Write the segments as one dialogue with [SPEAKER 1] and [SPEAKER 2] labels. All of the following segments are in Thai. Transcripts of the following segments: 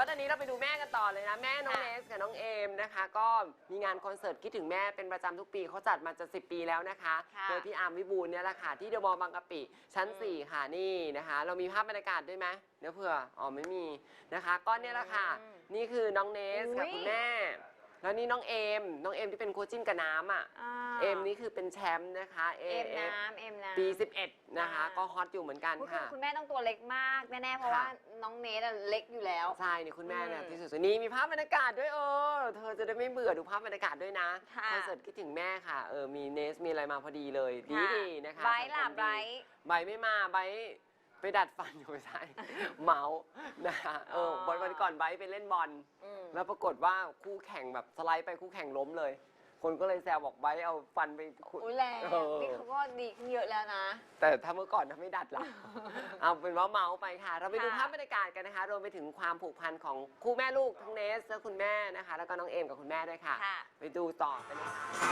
[SPEAKER 1] ว่าตอนนี้เราไปดูแม่กันต่อเลยนะแม่น้องเนสกับน้องเอมนะคะก็มีงานคอนเสิร์ตคิดถึงแม่เป็นประจำทุกปีเขาจัดมาจะ10 ปีแล้วนะคะโดยพี่อาร์มวิบูลเนี่ยแหละค่ะที่เดอะมอลล์บางกะปิชั้น4ค่ะนี่นะคะเรามีภาพบรรยากาศด้วยไหมเดี๋ยวเผื่อไม่มีนะคะก็เนี่ยแหละค่ะนี่คือน้องเนสกับคุณแม่แล้วนี่น้องเอมที่เป็นโคจิ้นกับน้ำเอมนี่คือเป็นแชมป์นะคะเอมปี11นะคะก็ฮอตอยู่เหมือนกันค่ะ
[SPEAKER 2] คุณแม่ต้องตัวเล็กมากแน่ๆเพราะว่าน้องเนสเล็กอยู่แล้ว
[SPEAKER 1] ใช่นี่คุณแม่เนี่ยที่สุดนี่มีภาพบรรยากาศด้วยเธอจะได้ไม่เบื่อดูภาพบรรยากาศด้วยนะคอนเสิร์ตคิดถึงแม่ค่ะมีเนสมีอะไรมาพอดีเลยดีนะคะ
[SPEAKER 2] ไบร์ทล่ะไบร์ท
[SPEAKER 1] ไม่มาไบร์ทไปดัดฟันอยู่ไม่ใช่เมาส์นะคะวันก่อนไบร์ทไปเล่นบอลแล้วปรากฏว่าคู่แข่งแบบสไลด์ไปคู่แข่งล้มเลยคนก็เลยแซวบอกไบร์ทเอาฟันไป
[SPEAKER 2] แรงนี่เขาก็ดีขึ้นเยอะแล้วนะ
[SPEAKER 1] แต่ถ้าเมื่อก่อนถ้าไม่ดัดล่ะเอาเป็นว่าเมาส์ไปค่ะเราไปดูภาพบรรยากาศกันนะคะรวมไปถึงความผูกพันของคู่แม่ลูกทั้งเนสและคุณแม่นะคะแล้วก็น้องเอมกับคุณแม่ด้วยค่ะไปดูต่อกันเลย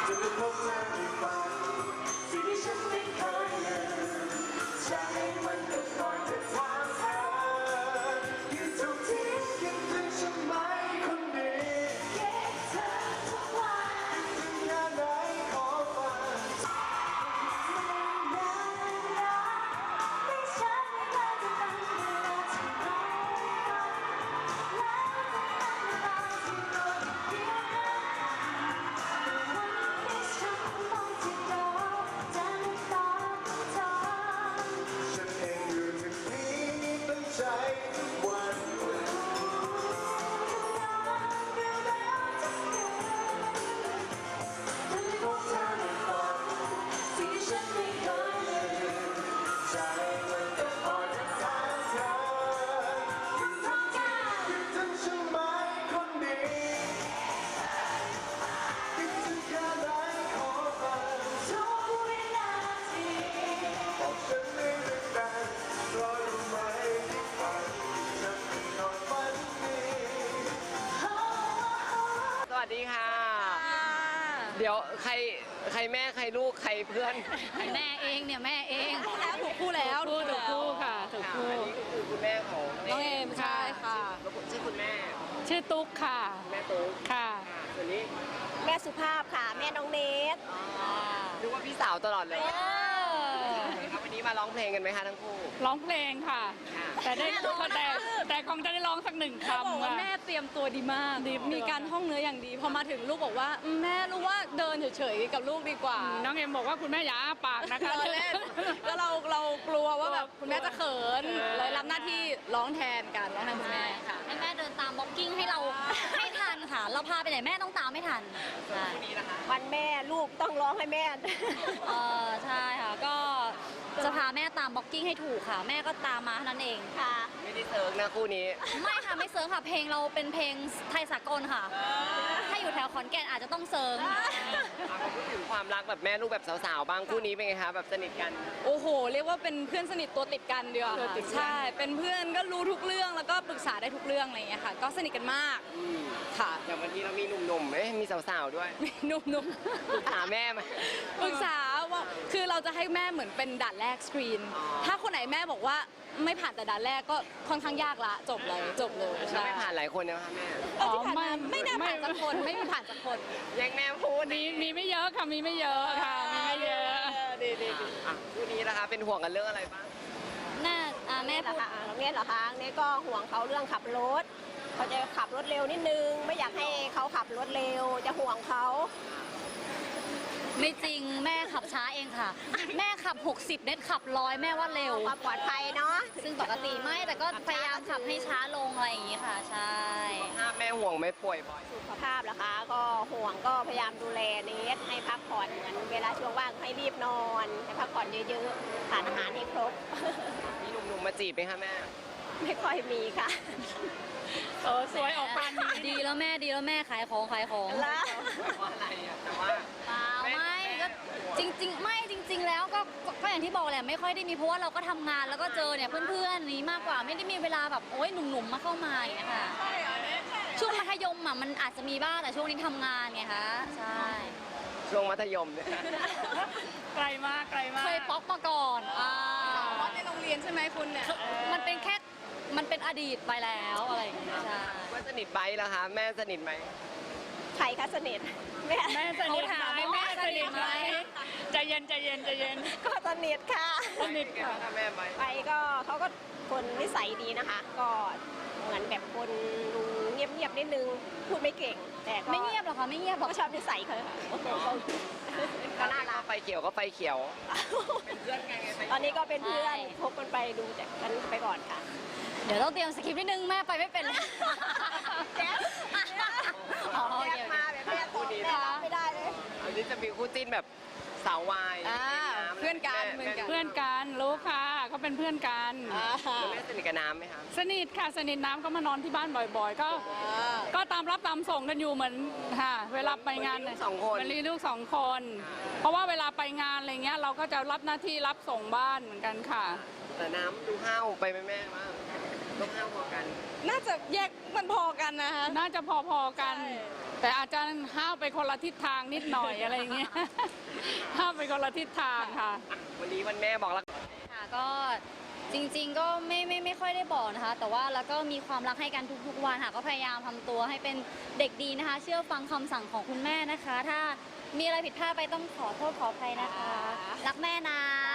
[SPEAKER 1] สวัสดีค่ะเดี๋ยวใครแม่ใครลูกใครเพื่อน
[SPEAKER 2] แม่เองเนี่ยแม่เองถูกคู่แล้ว
[SPEAKER 3] ถูกคู่ค่ะถูกคู่
[SPEAKER 1] อันนี้คือคุณแม่ของ
[SPEAKER 2] น้องเอมใช่ค่ะ
[SPEAKER 1] แล้วชื่อคุณแม่
[SPEAKER 3] ชื่อตุ๊กค่ะ
[SPEAKER 1] แม่ตุ๊ก
[SPEAKER 3] ค่ะ
[SPEAKER 1] ส่วนนี้
[SPEAKER 2] แม่สุภาพค่ะแม่น้องเนส
[SPEAKER 1] นึกว่าพี่สาวตลอดเลยวันนี้มาร้องเพลงกันไหมคะทั้งคู่
[SPEAKER 3] ร้องเพลงค่ะแต่คงจะได้ร้องสักหนึ่งคำ
[SPEAKER 2] บอกว่าแม่เตรียมตัวดีมากมีการท่องเนื้ออย่างดีพอมาถึงลูกบอกว่าแม่รู้ว่าเดินเฉยๆกับลูกดีกว่า
[SPEAKER 3] น้องเอ็มบอกว่าคุณแม่อย่าอ้าปากนะคะ
[SPEAKER 2] แล้วเรากลัวว่าแบบคุณแม่จะเขินเลยรับหน้าที่ร้องแทนกันร้องแทนคุณแม่ค่ะ
[SPEAKER 4] ให้แม่เดินตามบ็อกกิ้งให้เราให้ทันค่ะเราพาไปไหนแม่ต้องตามไม่ทัน
[SPEAKER 2] วันแม่ลูกต้องร้องให้แม่
[SPEAKER 4] ใช่ค่ะก็จะพาแม่ตามบ็อกกิ้งให้ถูกค่ะแม่ก็ตามมาเท่านั้นเอง
[SPEAKER 2] ค่ะ
[SPEAKER 1] ไม่ได้เซิร์ฟนะคู่นี้
[SPEAKER 4] ไม่ค่ะไม่เซิร์ฟค่ะเพลงเราเป็นเพลงไทยสากลค่ะถ้าอยู่แถวขอนแก่นอาจจะต้องเซิร์ฟ
[SPEAKER 1] พูดถึงความรักแบบแม่ลูกแบบสาวๆบ้างคู่นี้เป็นไงคะแบบสนิทกัน
[SPEAKER 2] โอ้โหเรียกว่าเป็นเพื่อนสนิทตัวติดกันดีกว่าใช่เป็นเพื่อนก็รู้ทุกเรื่องแล้วก็ปรึกษาได้ทุกเรื่องอะไรอย่างเงี้ยค่ะก็สนิทกันมากค่ะ
[SPEAKER 1] อย่างวันนี้เรามีหนุ่มๆมีสาวๆด้วย
[SPEAKER 2] หนุ่ม
[SPEAKER 1] ปรึกษาแม่ไหม
[SPEAKER 2] ปรึกษาว่าคือเราจะให้แม่เหมือนเป็นด่านแรกสกรีนถ้าคนไหนแม่บอกว่าไม่ผ่านแต่ด่านแรกก็ค่อนข้างยากละจบเลย
[SPEAKER 1] ใช่ไม่ผ่านหลายคนนะคะแม่
[SPEAKER 2] ไม่น่าผ่านสักคนไม่มีผ่านสักคน
[SPEAKER 1] ยังแม่พูด
[SPEAKER 3] มีไม่เยอะค่ะมีไม่เยอะค่ะมีไม่เยอะ
[SPEAKER 1] ดีคู่นี้นะคะเป็นห่วงกันเรื่องอะไรบ้าง
[SPEAKER 4] น่าแม่พูด
[SPEAKER 2] เนี่ยเหรอคะเนี่ยก็ห่วงเขาเรื่องขับรถเขาจะขับรถเร็วนิดนึงไม่อยากให้เขาขับรถเร็วจะห่วงเขา
[SPEAKER 4] ไม่จริงแม่ขับช้าเองค่ะแม่ขับ60เน็ตขับ100แม่ว่าเร็ว
[SPEAKER 2] ความปลอดภัยเนาะ
[SPEAKER 4] ซึ่งปกติไม่แต่ก็พยายามขับให้ช้าลงอะไรอย่างนี้ค่ะใช่
[SPEAKER 1] ถ้าแม่ห่วงไม่ป่วยบ่อย
[SPEAKER 2] สุขภาพเหรอคะก็ห่วงก็พยายามดูแลเนสให้พักผ่อนเหมือนเวลาช่วงว่างให้รีบนอนให้พักผ่อนเยอะๆทานอาหารให้ครบ
[SPEAKER 1] มีหนุ่มๆมาจีบไหมคะแม่
[SPEAKER 2] ไม่ค่อยมีค่ะ
[SPEAKER 3] สวยออกปานนี้
[SPEAKER 4] ดีแล้วแม่ขายของ
[SPEAKER 1] แล้วอะไรอ่ะแต่ว่า
[SPEAKER 4] ไม่ก็จริงๆไม่จริงๆแล้วก็อย่างที่บอกแหละไม่ค่อยได้มีเพราะว่าเราก็ทำงานแล้วก็เจอเนี่ยเพื่อนๆนี้มากกว่าไม่ได้มีเวลาแบบโอ๊ยหนุ่มๆมาเข้ามาอย่างเงี้ยค่ะช่วงมัธยมอ่ะมันอาจจะมีบ้างแต่ช่วงนี้ทำงานไงคะใช่
[SPEAKER 1] ช่วงมัธยมเนี่ย
[SPEAKER 3] ไกลมาก
[SPEAKER 4] เคยป๊อกมาก่อน
[SPEAKER 2] ว่าในโรงเรียนใช่ไหมคุณเนี่ย
[SPEAKER 4] มันเป็นอดีตไปแล้วอะไรอย่างเงี้ยใช่
[SPEAKER 1] นิทไบร์ทเหรอคะแม่สนิทไหม
[SPEAKER 5] ใครคะสนิทแม่
[SPEAKER 3] แม่สนิทไหมแม่สนิทไหมใจเย็นใจเย็นใจเย็น
[SPEAKER 5] ก็สนิทค่ะ
[SPEAKER 3] สนิทค่ะ
[SPEAKER 1] แม่ไบร์ท
[SPEAKER 5] ไปก็เขาก็คนนิสัยดีนะคะ ก็เหมือนแบบคนดูเงียบๆนิดนึงพูดไม่เก่ง แต่ก็
[SPEAKER 4] ไม่เงียบหรอคะไม่เงียบหร
[SPEAKER 5] ก็
[SPEAKER 4] อ
[SPEAKER 5] ชอบนิสัยเขาค่ะก็น่ารัก
[SPEAKER 1] ไฟเขียวก็ไฟเขียวเป็นเพื่อนกันไง
[SPEAKER 5] ตอนนี้ก็เป็นเพื่อนคบกันไปดูจากกันไปก่อนค่ะ
[SPEAKER 4] เดี๋ยวต้องเตรียมสคริปต์นิดนึงแม่ไปไม่เป็นเลย
[SPEAKER 5] แจ๊บ
[SPEAKER 4] อ๋อโอ
[SPEAKER 5] แจ๊
[SPEAKER 4] เค
[SPEAKER 5] บมาแบบแม่ตอบแม่รับไม่ได้เลย
[SPEAKER 1] อันนี้จะมีคู่จิ้นแบบสาววาย
[SPEAKER 2] อ่าเพื่อนกันเพื่อนกัน
[SPEAKER 3] เพื่อนกันรู้ค่ะเขาเป็นเพื่อนกัน
[SPEAKER 1] แล้วแม่สนิทกับน้ำไหมคะ
[SPEAKER 3] สนิทค่ะสนิทน้ำก็มานอนที่บ้านบ่อยๆ ก็ตามรับตามส่งกันอยู่เหมือนค่ะ เวลาไปงาน
[SPEAKER 1] เหมือนมีลูกสองคน
[SPEAKER 3] เหมือนมีลูกสองคน เพราะว่าเวลาไปงานอะไรเงี้ยเราก็จะรับหน้าที่รับส่งบ้านเหมือนกันค่ะ
[SPEAKER 1] แต่น้ำดูห้าวไปไหมแม่ว่าต้องห้าวพอกัน
[SPEAKER 2] น่าจะแยกมันพอกันนะคะ
[SPEAKER 3] น่าจะพอๆกัน แต่อาจจะห้าวไปคนละทิศทางนิดหน่อยอะไรเงี้ย ห้าวไปคนละทิศทางค่ะ
[SPEAKER 1] วันนี้วันแม่บอกรัก
[SPEAKER 4] ค่ะก็จริงๆก็ไม่ค่อยได้บอกนะคะ แต่ว่าแล้วก็มีความรักให้กันทุกๆวันค่ะก็พยายามทำตัวให้เป็นเด็กดีนะคะ เชื่อฟังคำสั่งของคุณแม่นะคะ ถ้ามีอะไรผิดพลาดไปต้องขอโทษขออภัยนะคะ รักแม่นะ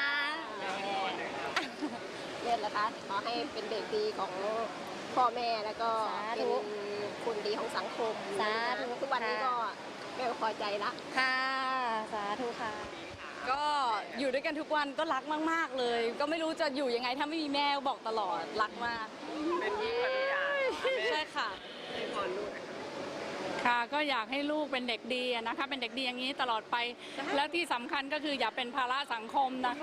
[SPEAKER 5] เรียนนะคะขอให้เป็นเด็กดีของพ่อแม่แล้วก็
[SPEAKER 4] สา
[SPEAKER 5] เป็
[SPEAKER 4] ธุ
[SPEAKER 5] นคนดีของสังคม
[SPEAKER 4] สาธุ
[SPEAKER 5] ทุกวันนี้ก็แม่ก็พอใจละ
[SPEAKER 4] ค่ะสาธุค่ะ
[SPEAKER 2] ก็อยู่ด้วยกันทุกวันก็รักมากๆเลย ก็ไม่รู้จะอยู่ยังไงถ้าไม่มีแม่บอกตลอดรักมาก
[SPEAKER 1] เป็นยิ่งกว่าทุกอย่าง
[SPEAKER 2] ใช่ค่ะ
[SPEAKER 1] ให้พรลูก
[SPEAKER 3] ค่ะก็อยากให้ลูกเป็นเด็กดีอะนะคะ เป็นเด็กดีอย่างนี้ตลอดไป แล้วที่สำคัญก็คืออย่าเป็นภาระสังคมนะคะ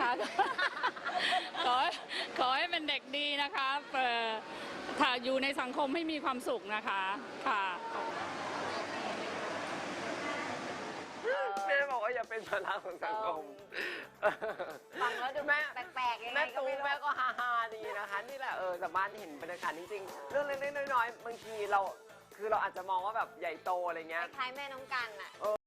[SPEAKER 3] ขอให้เป็นเด็กดีนะคะถ้าอยู่ในสังคมให้มีความสุขนะคะค่ะ
[SPEAKER 1] แม่บอกว่าอย่าเป็นภาระของสังคม
[SPEAKER 5] ฟังแล้วดู
[SPEAKER 1] แม่
[SPEAKER 5] แปลกๆยังไง
[SPEAKER 1] แม่
[SPEAKER 5] ก็
[SPEAKER 1] ตู
[SPEAKER 5] ไม่รู้
[SPEAKER 1] แม่ก็ฮาๆดีนะคะ นี่แหละสามารถเห็นบรรยากาศจริงๆ เรื่องเล็กๆน้อยๆบางทีเราคือเราอาจจะมองว่าแบบใหญ่โตอะไรเงี้ย
[SPEAKER 5] คล้ายๆแม่น้องกันอ่ะ